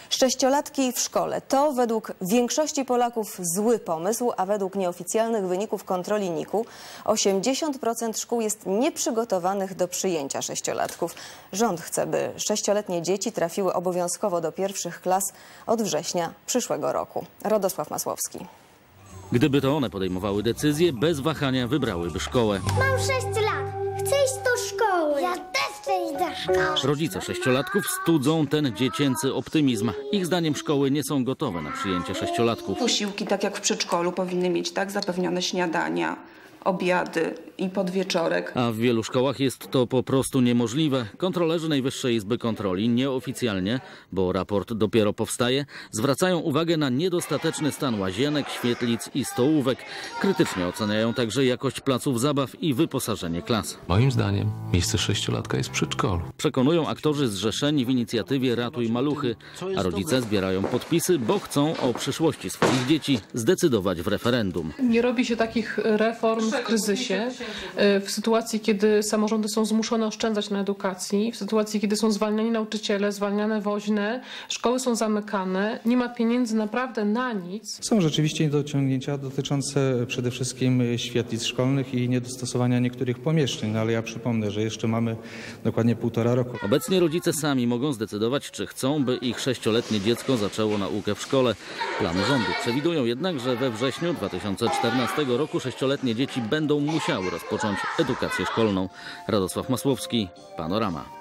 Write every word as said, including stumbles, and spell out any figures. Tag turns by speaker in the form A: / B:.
A: Sześciolatki w szkole to według większości Polaków zły pomysł, a według nieoficjalnych wyników kontroli N I K U osiemdziesiąt procent szkół jest nieprzygotowanych do przyjęcia sześciolatków. Rząd chce, by sześcioletnie dzieci trafiły obowiązkowo do pierwszych klas od września przyszłego roku. Rodosław Masłowski.
B: Gdyby to one podejmowały decyzje, bez wahania wybrałyby szkołę.
C: Mam sześć lat. Chcę iść do szkoły. Ja też chcę iść do szkoły.
B: Rodzice sześciolatków studzą ten dziecięcy optymizm. Ich zdaniem szkoły nie są gotowe na przyjęcie sześciolatków.
D: Posiłki, tak jak w przedszkolu, powinny mieć tak zapewnione śniadania, obiady i podwieczorek.
B: A w wielu szkołach jest to po prostu niemożliwe. Kontrolerzy Najwyższej Izby Kontroli nieoficjalnie, bo raport dopiero powstaje, zwracają uwagę na niedostateczny stan łazienek, świetlic i stołówek. Krytycznie oceniają także jakość placów zabaw i wyposażenie klas.
E: Moim zdaniem miejsce sześciolatka jest w przedszkolu.
B: Przekonują aktorzy zrzeszeni w inicjatywie Ratuj Maluchy, a rodzice zbierają podpisy, bo chcą o przyszłości swoich dzieci zdecydować w referendum.
F: Nie robi się takich reform w kryzysie, w sytuacji, kiedy samorządy są zmuszone oszczędzać na edukacji, w sytuacji, kiedy są zwalniani nauczyciele, zwalniane woźne, szkoły są zamykane, nie ma pieniędzy naprawdę na nic.
G: Są rzeczywiście niedociągnięcia dotyczące przede wszystkim świetlic szkolnych i niedostosowania niektórych pomieszczeń, no ale ja przypomnę, że jeszcze mamy dokładnie półtora roku.
B: Obecnie rodzice sami mogą zdecydować, czy chcą, by ich sześcioletnie dziecko zaczęło naukę w szkole. Plany rządu przewidują jednak, że we wrześniu dwa tysiące czternastego roku sześcioletnie dzieci będą musiały rozpocząć edukację szkolną. Radosław Masłowski, Panorama.